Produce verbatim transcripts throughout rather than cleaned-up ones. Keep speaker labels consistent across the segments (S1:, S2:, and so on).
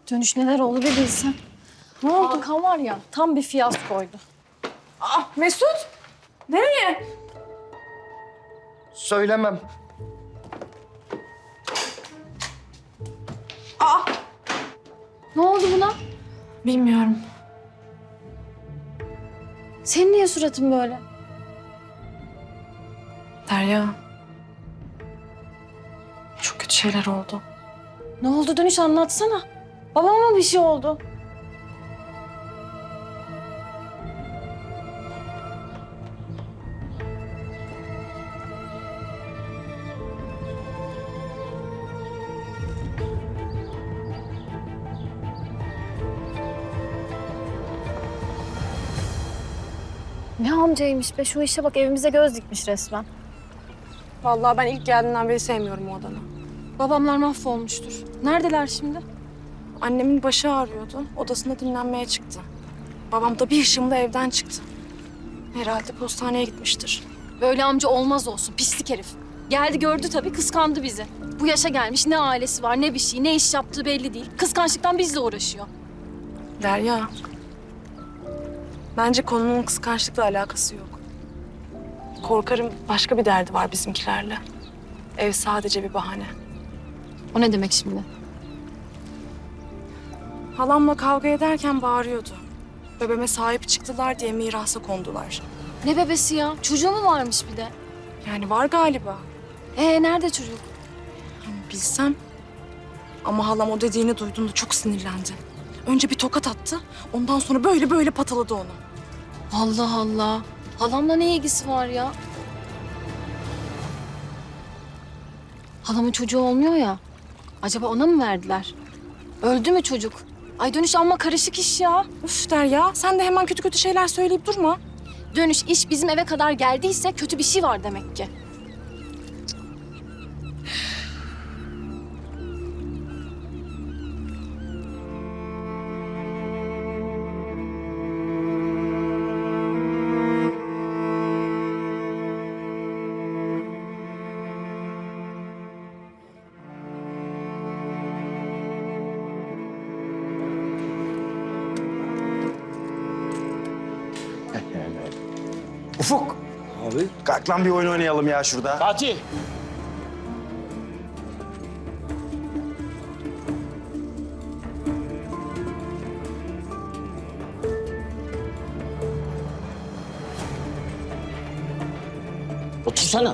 S1: Dönüş neler oldu bir bilsen. Ne oldu? Hakan var ya tam bir fiyaskoydu.
S2: Aa, Mesut! Nereye?
S3: Söylemem.
S2: Aa!
S1: Ne oldu buna?
S2: Bilmiyorum.
S1: Senin niye suratın böyle?
S2: Derya. Çok kötü şeyler oldu.
S1: Ne oldu Dönüş anlatsana. Babama mı bir şey oldu? Ne amcaymış be, şu işe bak, evimize göz dikmiş resmen.
S2: Vallahi ben ilk geldiğinden beri sevmiyorum o adamı.
S1: Babamlar mahvolmuştur. Neredeler şimdi?
S2: Annemin başı ağrıyordu. Odasında dinlenmeye çıktı. Babam da bir ışımla evden çıktı. Herhalde postaneye gitmiştir.
S1: Böyle amca olmaz olsun, pislik herif. Geldi gördü tabii, kıskandı bizi. Bu yaşa gelmiş, ne ailesi var, ne bir şey, ne iş yaptığı belli değil. Kıskançlıktan bizle uğraşıyor.
S2: Derya. Bence konunun kıskançlıkla alakası yok. Korkarım başka bir derdi var bizimkilerle. Ev sadece bir bahane.
S1: O ne demek şimdi?
S2: Halamla kavga ederken bağırıyordu. Bebeğime sahip çıktılar diye mirasa kondular.
S1: Ne bebesi ya? Çocuğu mu varmış bir de?
S2: Yani var galiba.
S1: Ee nerede çocuk?
S2: Bilsem. Ama halam o dediğini duyduğunda çok sinirlendi. Önce bir tokat attı. Ondan sonra böyle böyle pataladı onu.
S1: Allah Allah. Halamla ne ilgisi var ya? Halamın çocuğu olmuyor ya. Acaba ona mı verdiler? Öldü mü çocuk? Ay Dönüş amma karışık iş ya.
S2: Üf Derya, sen de hemen kötü kötü şeyler söyleyip durma.
S1: Dönüş iş bizim eve kadar geldiyse kötü bir şey var demek ki.
S3: Ufuk. Abi. Kalk lan bir oyun oynayalım ya şurada.
S4: Fatih. Otursana.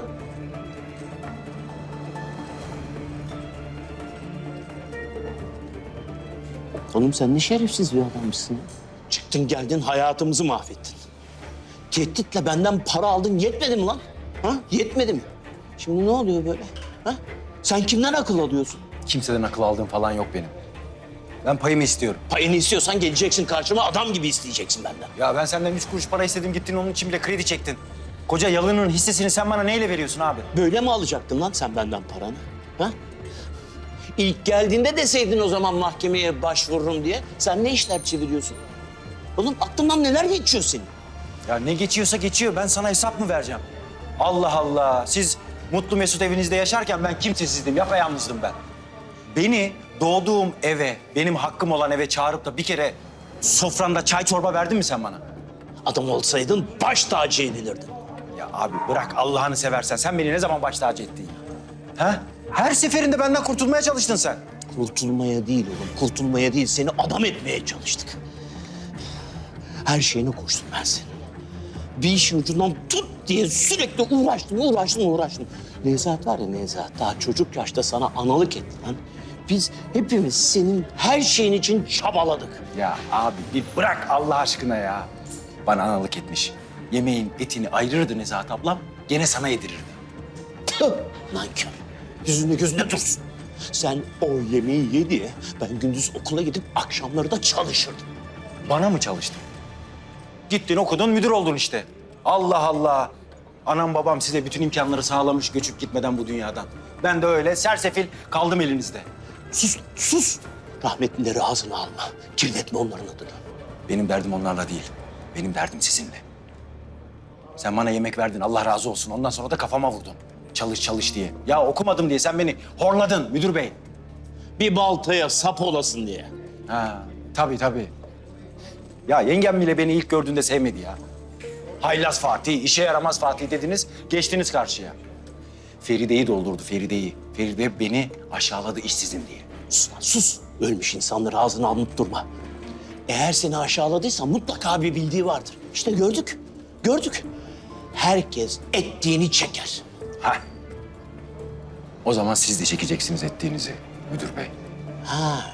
S4: Oğlum sen ne şerefsiz bir adammışsın ya. Çıktın geldin hayatımızı mahvettin. Tehditle benden para aldın yetmedi mi lan? Ha? Yetmedi mi? Şimdi ne oluyor böyle? Ha? Sen kimden akıl alıyorsun?
S3: Kimseden akıl aldığım falan yok benim. Ben payımı istiyorum.
S4: Payını istiyorsan geleceksin karşıma adam gibi isteyeceksin benden.
S3: Ya ben senden üç kuruş para istedim, gittin onun için bile kredi çektin. Koca yalının hissesini sen bana neyle veriyorsun abi?
S4: Böyle mi alacaktın lan sen benden paranı? Ha? İlk geldiğinde deseydin o zaman mahkemeye başvururum diye. Sen ne işler çeviriyorsun? Oğlum aklından neler geçiyor senin?
S3: Ya ne geçiyorsa geçiyor. Ben sana hesap mı vereceğim? Allah Allah. Siz mutlu mesut evinizde yaşarken ben kimsesizdim, yapayalnızdım ben. Beni doğduğum eve, benim hakkım olan eve çağırıp da bir kere sofranda çay çorba verdin mi sen bana?
S4: Adam olsaydın baş tacı edilirdin.
S3: Ya abi bırak Allah'ını seversen. Sen beni ne zaman baş tacı ettin ya? Ha? Her seferinde benden kurtulmaya çalıştın sen.
S4: Kurtulmaya değil oğlum, kurtulmaya değil. Seni adam etmeye çalıştık. Her şeyine koştum ben senin. Bir işin ucundan tut diye sürekli uğraştım, uğraştım, uğraştım. Nezahat var ya Nezahat, daha çocuk yaşta sana analık etti lan. Biz hepimiz senin her şeyin için çabaladık.
S3: Ya abi bir bırak Allah aşkına ya. Bana analık etmiş. Yemeğin etini ayırırdı Nezahat ablam, gene sana yedirirdi.
S4: Tüh, nankör. Yüzünde gözünde dursun. Sen o yemeği ye diye ben gündüz okula gidip akşamları da çalışırdım.
S3: Bana mı çalıştın? Gittin okudun, müdür oldun işte. Allah Allah. Anam babam size bütün imkanları sağlamış göçüp gitmeden bu dünyadan. Ben de öyle sersefil kaldım elinizde.
S4: Sus, sus. Rahmetlileri ağzına alma. Kirletme onların adını.
S3: Benim derdim onlarla değil. Benim derdim sizinle. Sen bana yemek verdin, Allah razı olsun. Ondan sonra da kafama vurdun. Çalış çalış diye. Ya okumadım diye sen beni horladın müdür bey.
S4: Bir baltaya sap olasın diye.
S3: Ha, tabii tabii. Ya yengem bile beni ilk gördüğünde sevmedi ya. Haylaz Fatih, işe yaramaz Fatih dediniz, geçtiniz karşıya. Feride'yi doldurdu, Feride'yi. Feride beni aşağıladı işsizim diye.
S4: Sus lan, sus. Ölmüş insanları ağzına alınıp durma. Eğer seni aşağıladıysa mutlaka bir bildiği vardır. İşte gördük, gördük. Herkes ettiğini çeker.
S3: Ha. O zaman siz de çekeceksiniz ettiğinizi müdür bey.
S4: Ha.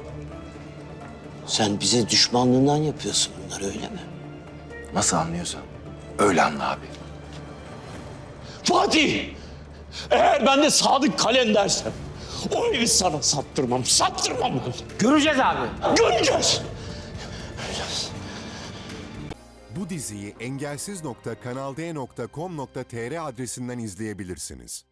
S4: Sen bize düşmanlığından yapıyorsun bunları, öyle mi?
S3: Nasıl anlıyorsan öyle anla abi.
S4: Fatih! Eğer ben de Sadık Kalendersem o evi sana sattırmam, sattırmam ben.
S3: Göreceğiz abi.
S4: Göreceğiz.
S5: Bu diziyi engelsiz nokta kanal d nokta com nokta tr adresinden izleyebilirsiniz.